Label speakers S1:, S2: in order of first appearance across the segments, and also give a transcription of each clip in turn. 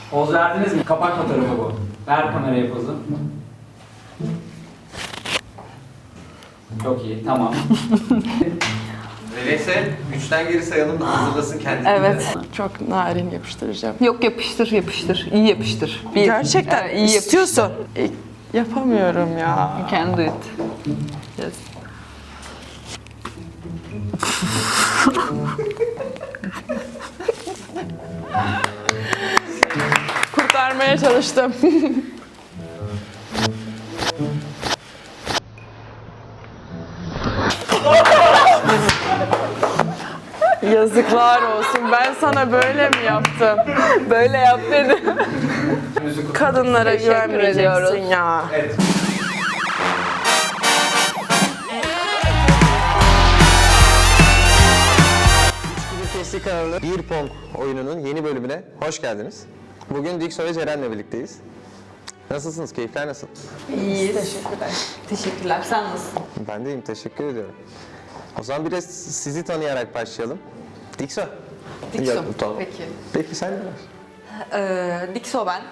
S1: Poz verdiniz mi? Kapak fotoğrafı bu. Ver kameraya pozu. Çok iyi, tamam.
S2: Öyleyse 3'ten geri sayalım da hazırlasın kendini.
S3: Evet.
S4: Çok narin yapıştıracağım.
S3: Yok yapıştır yapıştır. İyi yapıştır.
S4: Gerçekten
S3: iyi yapıştır.
S4: istiyorsun. Yapamıyorum ya.
S3: You can do it. Yes.
S4: Kurtarmaya çalıştım. Yazıklar olsun. Ben sana böyle mi yaptım?
S3: Böyle yap dedim.
S4: Kadınlara
S3: Teşekkür
S4: güvenmeyeceksin
S3: ediyoruz.
S4: ya.
S1: Evet.
S2: Testi kanalı Bir Pong oyununun yeni bölümüne hoş geldiniz. Bugün Dikso ve Ceren'le birlikteyiz. Nasılsınız? Keyifler nasıl?
S3: İyiyiz. Teşekkürler. Teşekkürler. Sen nasılsın?
S2: Ben de iyiyim, teşekkür ediyorum. O zaman biraz sizi tanıyarak başlayalım. Dikso.
S3: Dikso.
S2: Ya, tamam.
S3: Peki.
S2: Peki sen ne var?
S3: Dikso ben.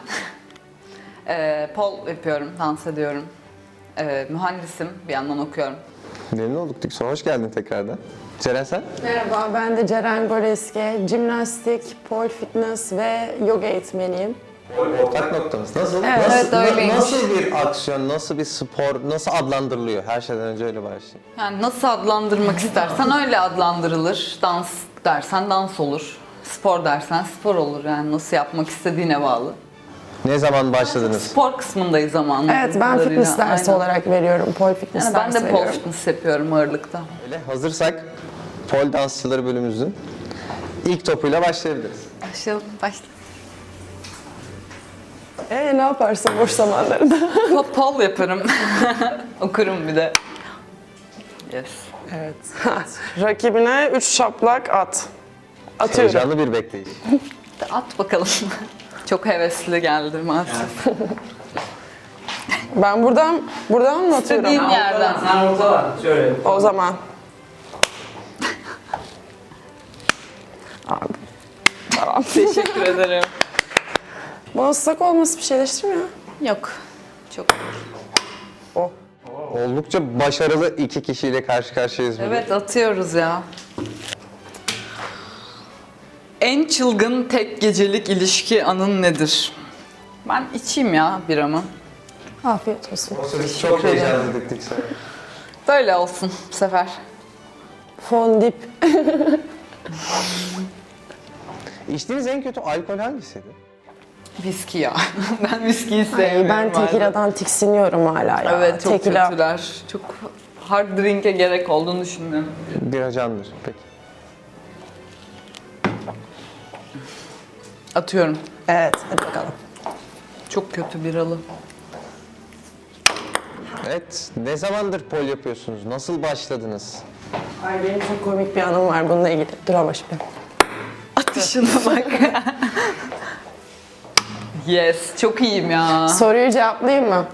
S3: Pol yapıyorum, dans ediyorum. Mühendisim, bir yandan okuyorum.
S2: Memnun olduk Dikso. Hoş geldin tekrardan. Ceren sen?
S4: Merhaba, ben de Ceren Goreske. Jimnastik, pole fitness ve yoga eğitmeniyim.
S2: Ortak noktamız. Nasıl?
S4: Evet,
S2: nasıl,
S3: evet, öyleymiş.
S2: nasıl bir aksiyon, nasıl bir spor, nasıl adlandırılıyor? Her şeyden önce öyle başlayayım.
S3: Yani nasıl adlandırmak istersen öyle adlandırılır. Dans dersen dans olur. Spor dersen spor olur. Yani nasıl yapmak istediğine bağlı.
S2: Ne zaman başladınız?
S3: Spor kısmındayız zamanında.
S4: Evet, ben fitness dersi olarak veriyorum. Pole fitness
S3: Yani ben
S4: dersi
S3: de pole
S4: veriyorum.
S3: fitness yapıyorum ağırlıkta.
S2: Öyle hazırsak pole dansçıları bölümümüzün ilk topuyla başlayabiliriz.
S3: Başlayalım, başla.
S4: Ne yaparsın boş zamanlarında?
S3: Pole yaparım. Okurum bir de. Yes.
S4: Evet. Rakibine 3 şaplak at. Atıyorum.
S2: Heyecanlı bir bekleyiş.
S3: At bakalım. Çok hevesli geldi maalesef.
S4: Ben buradan mı atıyorum?
S3: İstediğin yerden.
S1: Sen ortala. Şöyle.
S4: O zaman. Abi. Tamam.
S3: Teşekkür ederim.
S4: Bana ıslak olması bir şey değiştirmiyor.
S3: Yok. Çok.
S4: O.
S2: Oldukça başarılı iki kişiyle karşı karşıyayız bugün.
S3: Evet atıyoruz ya. En çılgın tek gecelik ilişki anın nedir? Ben içeyim ya biramı.
S4: Afiyet olsun.
S2: Biz çok heyecanlıydık Dikso.
S3: Böyle olsun bu sefer.
S4: Fondip.
S2: İçtiğiniz en kötü alkol hangisiydi?
S3: Viski ya. Ben viskiyi
S4: Ay,
S3: sevmiyorum.
S4: ben
S3: hala.
S4: tekila'dan tiksiniyorum hala ya.
S3: Evet çok
S4: Tekila.
S3: kötüler. Çok hard drink'e gerek olduğunu düşünmüyorum.
S2: Bir ajandır. Peki.
S3: Atıyorum.
S4: Evet, hadi bakalım.
S3: Çok kötü biralı.
S2: Evet. Ne zamandır pol yapıyorsunuz? Nasıl başladınız?
S4: Ay benim çok komik bir anım var bununla ilgili. Dur ama şimdi.
S3: Atışına bak. Yes, çok iyiyim ya.
S4: Soruyu cevaplayayım mı?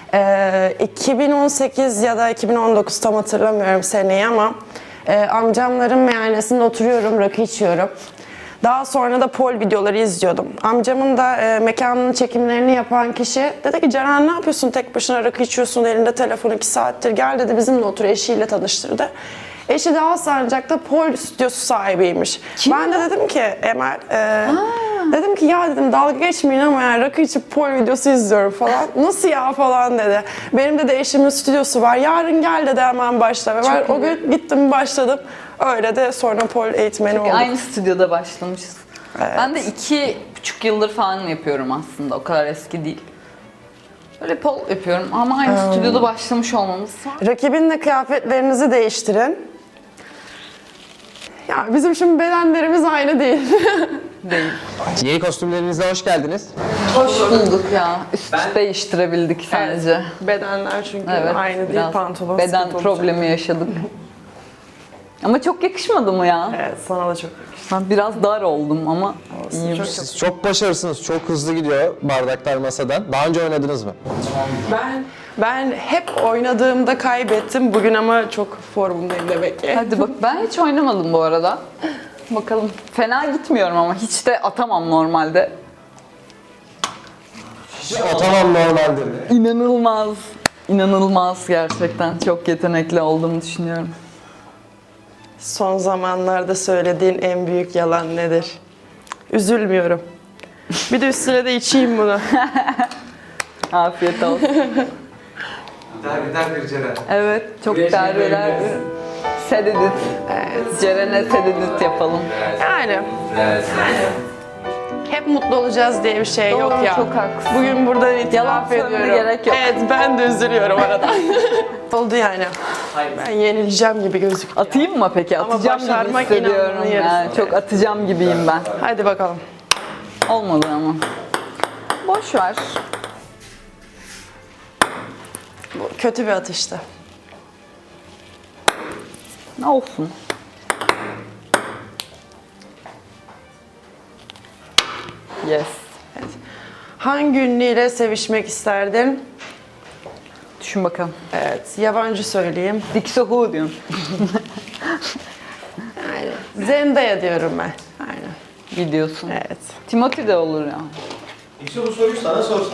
S4: 2018 ya da 2019 tam hatırlamıyorum seneyi ama amcamların meyhanesinde oturuyorum, rakı içiyorum. Daha sonra da pol videoları izliyordum. Amcamın da mekanının çekimlerini yapan kişi dedi ki Ceren ne yapıyorsun tek başına rakı içiyorsun elinde telefon 2 saattir gel dedi bizimle otur eşiyle tanıştırdı. Eşi de Alsancak'ta pol stüdyosu sahibiymiş. Ben de dedim ki Emel, dedim ki ya dedim dalga geçmeyin ama yani rakı içip pol videosu izliyorum falan. Nasıl ya falan dedi. Benim de eşimin stüdyosu var. Yarın gel dedi hemen başla. Ve ben o gün gittim başladım. Öyle de sonra pol eğitmeni oldum.
S3: Aynı stüdyoda başlamışız.
S4: Evet.
S3: Ben de 2,5 yıldır falan yapıyorum aslında. O kadar eski değil. Böyle pol yapıyorum ama aynı stüdyoda başlamış olmamız var.
S4: Rakibinle kıyafetlerinizi değiştirin. Ya bizim şimdi bedenlerimiz aynı değil.
S3: Değil.
S2: Yeni kostümlerinizle hoş geldiniz.
S3: Hoş bulduk ya. Üst değiştirebildik sadece.
S4: Bedenler çünkü
S3: Evet,
S4: aynı değil
S3: biraz
S4: pantolon.
S3: beden
S4: sıkıntı olacak.
S3: problemi yaşadık. Ama çok yakışmadı mı ya?
S4: Evet sana da çok.
S3: Ben biraz dar oldum ama iyiyim.
S2: Siz çok başarısınız. Çok hızlı gidiyor bardaklar masadan. Daha önce oynadınız mı?
S4: Ben hep oynadığımda kaybettim. Bugün ama çok formundayım demek ki.
S3: Hadi bak ben hiç oynamadım bu arada. Bakalım. Fena gitmiyorum ama hiç de atamam normalde.
S2: Tamam normaldir.
S3: İnanılmaz. İnanılmaz gerçekten. Çok yetenekli olduğumu düşünüyorum.
S4: Son zamanlarda söylediğin en büyük yalan nedir? Üzülmüyorum. Bir de üstüne de içeyim bunu.
S3: Afiyet olsun.
S2: Derbeder bir Ceren.
S3: Evet, çok
S1: Buraya şey
S3: derbeler.
S1: koyabiliriz.
S3: Sededit. Evet. Ceren'e sededit yapalım.
S4: Yani hep mutlu olacağız diye bir şey
S3: Doğru,
S4: yok ya.
S3: çok haklısın.
S4: Bugün buradan itiraf
S3: Yalan söylemene
S4: ediyorum.
S3: gerek yok.
S4: Evet, ben de üzülüyorum arada. Oldu yani.
S1: Hayır.
S4: Ben yenileceğim gibi gözüküyor.
S3: Atayım mı peki?
S4: Ama
S3: Atacağım gibi
S4: başarmak
S3: hissediyorum.
S4: inanmanın yarısı.
S3: Yani çok atacağım gibiyim ben.
S4: Hadi bakalım.
S3: Olmadı ama. Boş ver.
S4: Bu kötü bir atıştı.
S3: Ne olsun. Yes.
S4: Hangi ünlüyle sevişmek isterdin?
S3: Düşün bakalım.
S4: Evet, yabancı söyleyeyim.
S3: Dixie Who diyorum.
S4: Yani Zendaya diyorum ben. Aynen.
S3: Biliyorsun.
S4: Evet.
S3: Timothy de olur ya.
S2: İşte bu soruyu sana sorsak.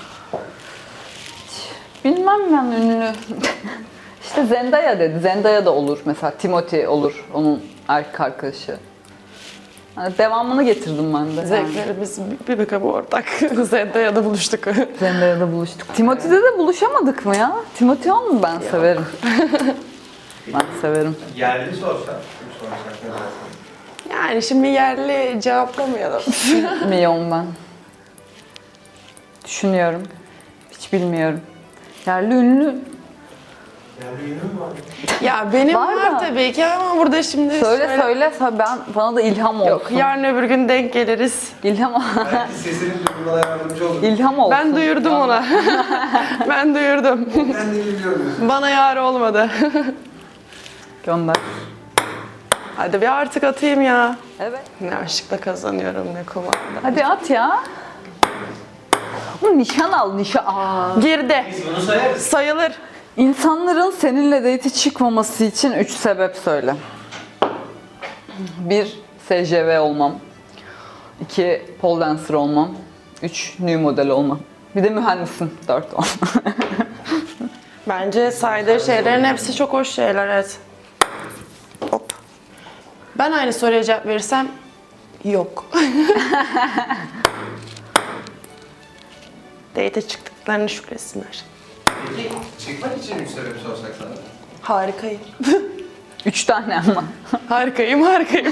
S3: Bilmem ben ünlü. İşte Zendaya dedi. Zendaya da olur mesela. Timothy olur. Onun erkek arkadaşı. Yani devamını getirdim ben de.
S4: Zevklerimiz bir bakıma ortak. Zendaya'da buluştuk.
S3: Zendaya'da buluştuk. Timothy'de de buluşamadık mı ya? Timothy on mu? Ben severim. Ben severim.
S2: Yerli sorsak. Kim sorsak ne dersin?
S4: Yani şimdi yerli cevaplamayalım.
S3: Bilmiyorum ben. Düşünüyorum. Hiç bilmiyorum. Yerli ünlü.
S2: Yerli ünlü mü var?
S4: Ya benim
S3: Var
S4: var,
S3: da.
S4: tabii ki ama burada şimdi
S3: Söyle. Bana da ilham olsun.
S4: Yok, yarın öbür gün denk geliriz.
S3: İlham,
S2: Belki sesinin duyulmana yardımcı olur.
S3: ilham olsun.
S4: Ben duyurdum ona. Ben duyurdum.
S2: Ben de biliyorum.
S4: Bana yar olmadı.
S3: Gönder.
S4: Hadi bir artık atayım ya.
S3: Evet.
S4: Ne aşkla kazanıyorum ne kumanda.
S3: Hadi at ya. Bu nişan al, nişan. Aa.
S4: Girdi.
S2: Biz bunu sayarız.
S4: Sayılır.
S3: İnsanların seninle date çıkmaması için 3 sebep söyle. 1. SJV olmam. 2. Pole dancer olmam. 3. New model olmam. Bir de mühendisim. 4 olmam.
S4: Bence saydığı şeylerin hepsi çok hoş şeyler, evet. Hop. Ben aynı soruya cevap verirsem yok. Date'e çıktıklarını şükretsinler.
S2: Peki çıkmak için 3 sebep sorsak sana.
S4: Harikayım.
S3: 3 tane ama.
S4: Harikayım.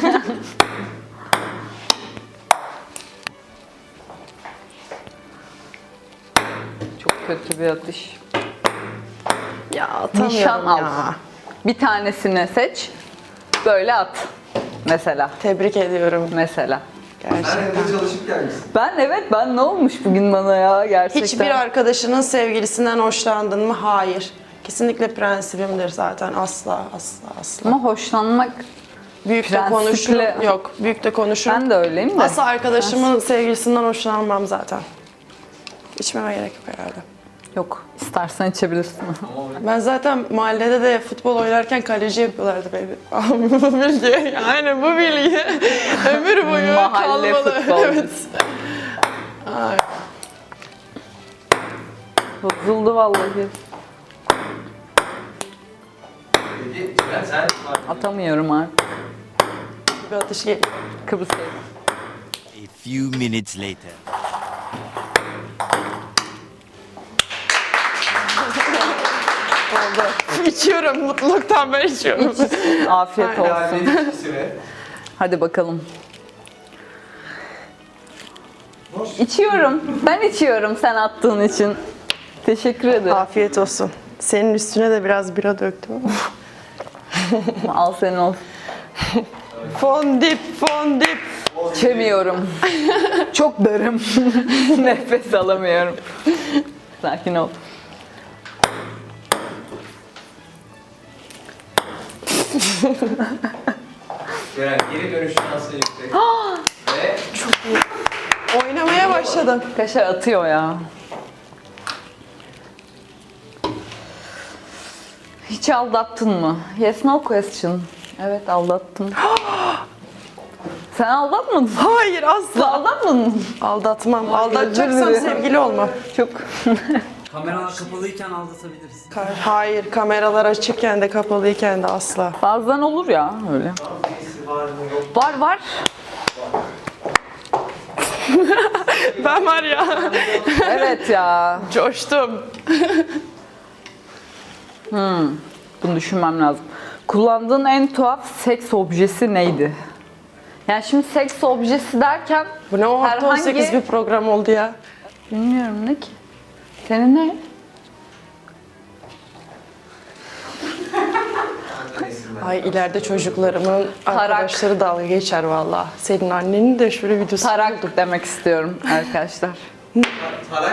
S3: Çok kötü bir atış.
S4: Ya atamıyorum
S3: Nişan al.
S4: ya.
S3: Bir tanesini seç. Böyle at. Mesela.
S4: Tebrik ediyorum
S3: Mesela.
S4: gerçekten.
S2: Sen evde çalışıp gelmişsin.
S3: Ben ne olmuş bugün bana ya gerçekten.
S4: Hiçbir arkadaşının sevgilisinden hoşlandın mı? Hayır. Kesinlikle prensibimdir zaten. Asla.
S3: Ama hoşlanmak
S4: Büyük de
S3: Prensiple-
S4: konuşurum. Yok, büyük de konuşurum.
S3: ben de öyleyim de.
S4: Asla arkadaşımın sevgilisinden hoşlanmam zaten. İçmeme gerek yok herhalde.
S3: Yok. İstersen içebilirsin.
S4: Ben zaten mahallede de futbol oynarken kaleci yapıyorlardı beni. Bu bilgi, yani bu bilgi ömür boyu
S3: Mahalle
S4: kalmalı.
S3: futbolcusu.
S4: Evet. Ay,
S3: Bozuldu vallahi.
S2: Peki Ceren sen
S3: Atamıyorum artık.
S4: bir atış geliyor.
S3: Kıbrıs'ta.
S5: A few minutes later.
S4: İçiyorum, mutluluktan ben içiyorum.
S3: Afiyet olsun.
S2: Yerli ilişkisine.
S3: Hadi bakalım. İçiyorum. Ben içiyorum sen attığın için. Teşekkür ederim.
S4: Afiyet olsun. Senin üstüne de biraz bira döktüm ama.
S3: Al senin olsun.
S4: Fondip.
S3: İçemiyorum. Çok darım. Nefes alamıyorum. Sakin ol.
S2: Ceren geri dönüş şansı yüksek. Ve
S4: Oynamaya başladım.
S3: Kaşar atıyor ya. Hiç aldattın mı? Yes, no question. Evet, aldattım. Sen aldatmadın mı?
S4: Hayır
S3: Siz
S4: asla.
S3: aldatmadın mı?
S4: Aldatmam. Aldatacaksam
S3: özür dilerim.
S4: sevgili olmam.
S3: Çok.
S1: Kameralar kapalıyken aldatabiliriz.
S4: Hayır, kameralar açıkken de kapalıyken de asla.
S3: Bazen olur ya öyle. Var var.
S4: Ben var ya,
S3: Evet ya.
S4: coştum.
S3: Bunu düşünmem lazım. Kullandığın en tuhaf seks objesi neydi? Yani şimdi seks objesi derken
S4: Bu ne o hafta
S3: herhangi...
S4: 18 bir program oldu ya.
S3: Bilmiyorum ne ki? Senin ne?
S4: Ay ileride çocuklarımın arkadaşları dalga geçer valla. Senin annenin de şöyle videosu
S3: Tarak demek istiyorum arkadaşlar.
S2: Tarak.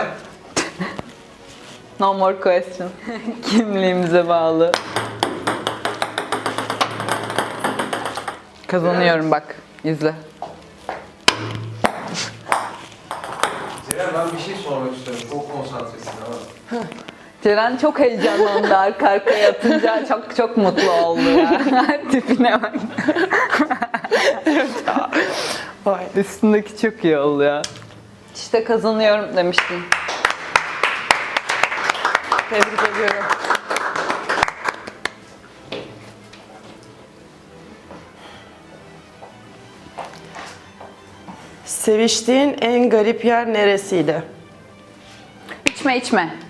S3: No more question. Kimliğimize bağlı. Kazanıyorum bak. İzle.
S2: Ceren ben bir şey sormak istiyorum. Çok konsantresin ama.
S3: Ceren çok heyecanlandı arka arkaya yatınca. Çok mutlu oldu ya. Tipine bak.
S4: Vay.
S3: Üstündeki çok iyi oldu ya. İşte kazanıyorum demiştim.
S4: Tebrik ediyorum. Seviştiğin en garip yer neresiydi?
S3: İçme.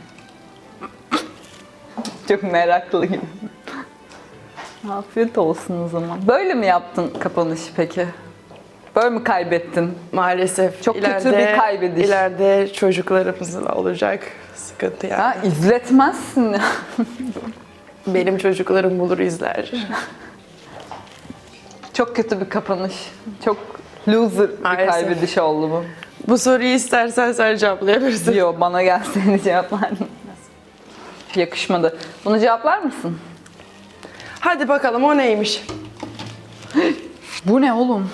S3: Çok meraklı gibi. Afiyet olsun o zaman. Böyle mi yaptın kapanışı peki? Böyle mi kaybettin?
S4: Maalesef.
S3: Çok kötü bir kaybediş.
S4: İleride çocuklarımızın olacak sıkıntı yani.
S3: Ha, izletmezsin ya.
S4: Benim çocuklarım bulur izler.
S3: Çok kötü bir kapanış. Çok loser bir
S4: Maalesef.
S3: kaybediş oldu bu.
S4: Bu soruyu istersen sen cevaplayabilirsin.
S3: Yo, bana gelseydi cevaplardım. Yakışmadı. Bunu cevaplar mısın?
S4: Hadi bakalım o neymiş?
S3: Bu ne oğlum?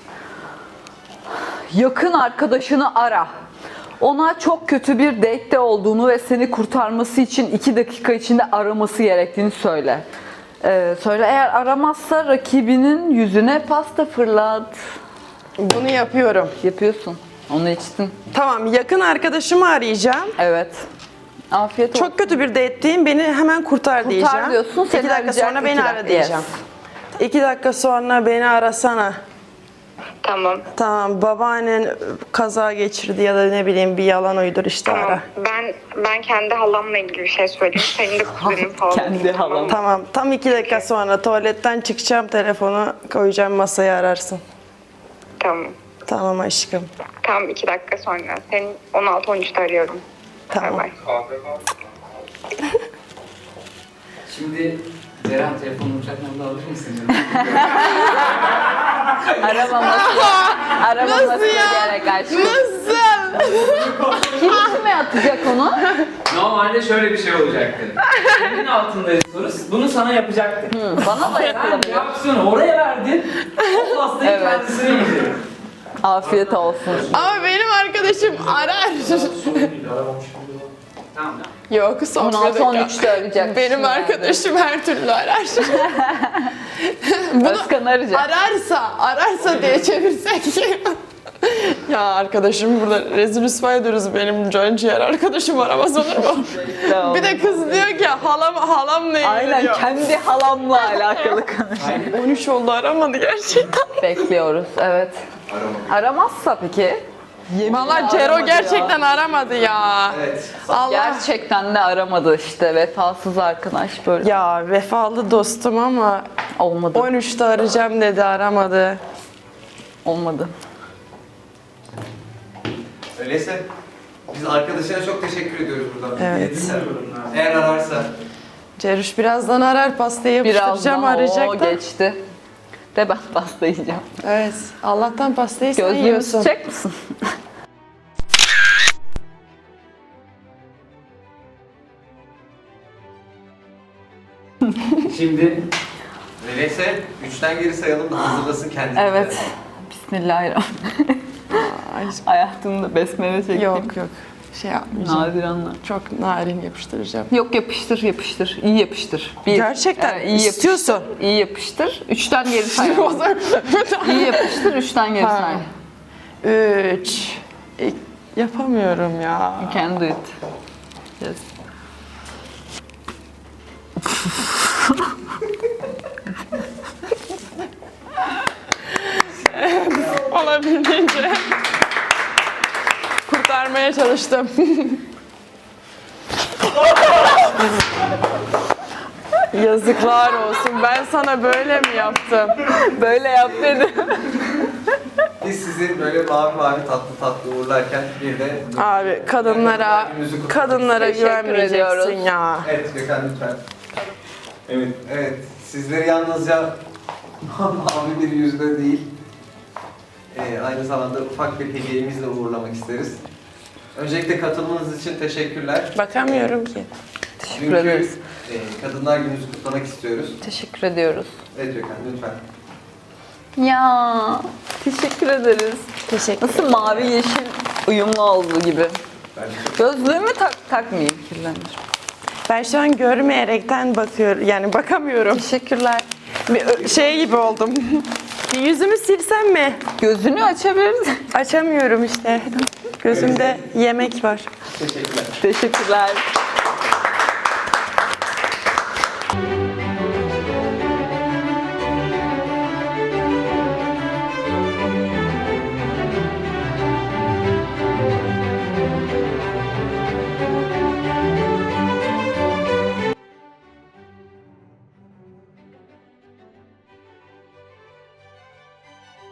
S3: Yakın arkadaşını ara. Ona çok kötü bir date'te olduğunu ve seni kurtarması için 2 dakika içinde araması gerektiğini söyle. Söyle, eğer aramazsa rakibinin yüzüne pasta fırlat.
S4: Bunu yapıyorum.
S3: Yapıyorsun. Onu içtin.
S4: Tamam, yakın arkadaşımı arayacağım.
S3: Evet. Afiyet olsun.
S4: Çok kötü bir date'teyim, beni hemen kurtar diyeceğim.
S3: diyorsun, seni
S4: 2 dakika
S3: arayacak,
S4: sonra beni
S3: 2
S4: ara
S3: dakika,
S4: diyeceğim. 2 dakika sonra beni arasana.
S6: Tamam.
S4: Tamam, babaannen kaza geçirdi ya da ne bileyim bir yalan uydur işte ara.
S6: Tamam. Ben kendi halamla ilgili bir şey söyleyeyim. Senin de kuzenin falan.
S3: Kendi halam.
S6: mı?
S4: Tamam, tam 2 dakika sonra tuvaletten çıkacağım, telefonu koyacağım masaya ararsın.
S6: Tamam.
S4: Tamam aşkım.
S6: Tam 2 dakika sonra. Seni 16-13'te arıyorum.
S4: Tamam.
S6: Bay bay.
S1: Şimdi Ceren telefonunu uçaktan da alır mısın?
S3: Aramaması gerek aşkım.
S4: Nasıl?
S3: Kim kime atacak onu?
S1: Normalde şöyle bir şey olacaktı. Senin altındaydı soru. Bunu sana yapacaktı.
S3: Bana da
S1: Sen
S3: yapılabilir.
S1: yapsın, oraya verdin. O pastayı
S3: Evet.
S1: kendisine yedi.
S3: Afiyet olsun.
S4: Ama benim arkadaşım arar.
S1: Tamam.
S4: Yok, sohbet
S3: 16-13'te arayacak.
S4: Benim arkadaşım her türlü arar.
S3: Özkan arayacak.
S4: Ararsa diye çevirsek. Ya arkadaşım burada rezil rüsva ediyoruz, benim can ciğer arkadaşım aramaz olur mu?
S3: Tamam.
S4: Bir de kız diyor ki halamla
S3: Aynen,
S4: ilgileniyor.
S3: kendi halamla alakalı konuşuyor.
S4: 13 oldu, aramadı gerçekten.
S3: Bekliyoruz, evet. Aramazsa peki?
S4: Valla Cero
S3: aramadı
S4: gerçekten aramadı ya.
S2: Evet.
S4: Allah.
S3: Gerçekten de aramadı işte, vefasız arkadaş böyle.
S4: Ya vefalı dostum ama
S3: Olmadı,
S4: 13'te arayacağım dedi, aramadı.
S3: olmadı.
S2: Öyleyse biz arkadaşına çok teşekkür ediyoruz buradan.
S4: Evet.
S2: Eğer ararsa.
S4: Ceruş birazdan arar, pastayı yapıştıracağım,
S3: Birazdan o
S4: arayacak da.
S3: geçti. De ben pasta yiyeceğim.
S4: Evet. Allah'tan pastayı sen
S3: Gözlüğümü
S4: yiyorsun.
S3: tutacak mısın?
S1: Şimdi
S2: Öyleyse 3'ten geri sayalım da hazırlasın kendini.
S3: Evet. Bismillahirrahmanirrahim. Hayatımda besmele çektim.
S4: Yok yok. şey yapmayacağım.
S3: Nadir anlar.
S4: Çok narin yapıştıracağım.
S3: Yok yapıştır yapıştır. İyi yapıştır. Bir.
S4: Gerçekten
S3: iyi yapıştır.
S4: istiyorsun.
S3: İyi yapıştır. 3'ten geri say. İyi yapıştır. 3'ten geri say.
S4: 3. Yapamıyorum ya.
S3: You can do it. Yes.
S4: Olabildiğince kurtarmaya çalıştım. Yazıklar olsun. Ben sana böyle mi yaptım?
S3: Böyle yap dedi.
S2: Biz sizi böyle mavi tatlı uğurlarken bir de...
S4: Abi kadınlara
S3: Teşekkür
S4: güvenmeyeceksin
S3: ediyoruz.
S4: ya.
S2: Evet Gökhan lütfen. Evet. Sizleri yalnızca mavi bir yüzle değil, aynı zamanda ufak bir hediyemizle uğurlamak isteriz. Öncelikle katılmanız için teşekkürler.
S4: Bakamıyorum ki.
S3: Teşekkür ederiz.
S2: Kadınlar Günü'nüzü kutlamak istiyoruz.
S3: Teşekkür ediyoruz.
S2: Evet Gökhan lütfen.
S3: Ya teşekkür ederiz.
S4: Teşekkür.
S3: Nasıl mavi yeşil uyumlu olduğu gibi.
S2: Bence
S3: Gözlüğümü takmayayım, kirlenir.
S4: Ben şu an görmeyerekten bakıyorum. Yani bakamıyorum.
S3: Teşekkürler.
S4: Bir şey gibi oldum. Bir yüzümü silsem mi?
S3: Gözünü açabiliriz.
S4: Açamıyorum işte. Gözümde yemek var.
S2: teşekkürler.
S3: Teşekkürler.